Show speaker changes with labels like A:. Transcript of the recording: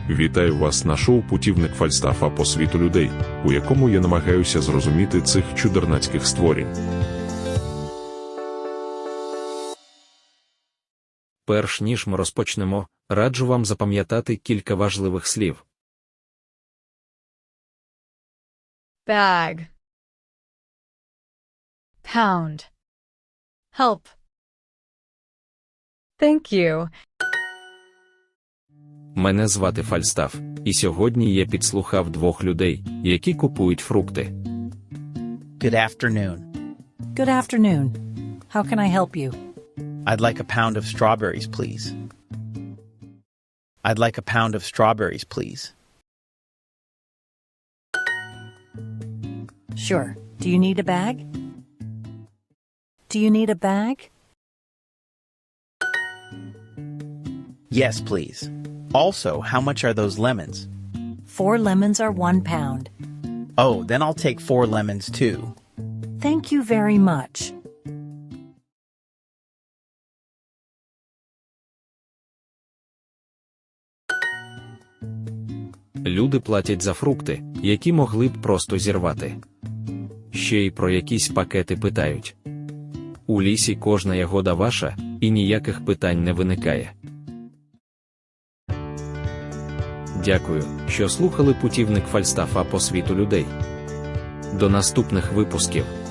A: Вітаю вас на шоу «Путівник Фальстафа по світу людей», у якому я намагаюся зрозуміти цих чудернацьких створінь.
B: Перш ніж ми розпочнемо, раджу вам запам'ятати кілька важливих слів.
C: Bag, pound, help. Thank you.
B: Мене звати Фальстаф, і сьогодні я підслухав двох людей, які купують фрукти.
D: Good afternoon.
E: Good afternoon. How can I help you?
D: I'd like a pound of strawberries, please. I'd like a pound of strawberries, please.
E: Sure. Do you need a bag? Do you need a bag?
D: Yes, please. Also, how much are those lemons?
E: 4 lemons are 1 pound.
D: Oh, then I'll take 4 lemons too.
E: Thank you very much.
B: Люди платять за фрукти, які могли б просто зірвати. Ще й про якісь пакети питають. У лісі кожна ягода ваша, і ніяких питань не виникає. Дякую, що слухали «Путівник Фальстафа по світу людей». До наступних випусків.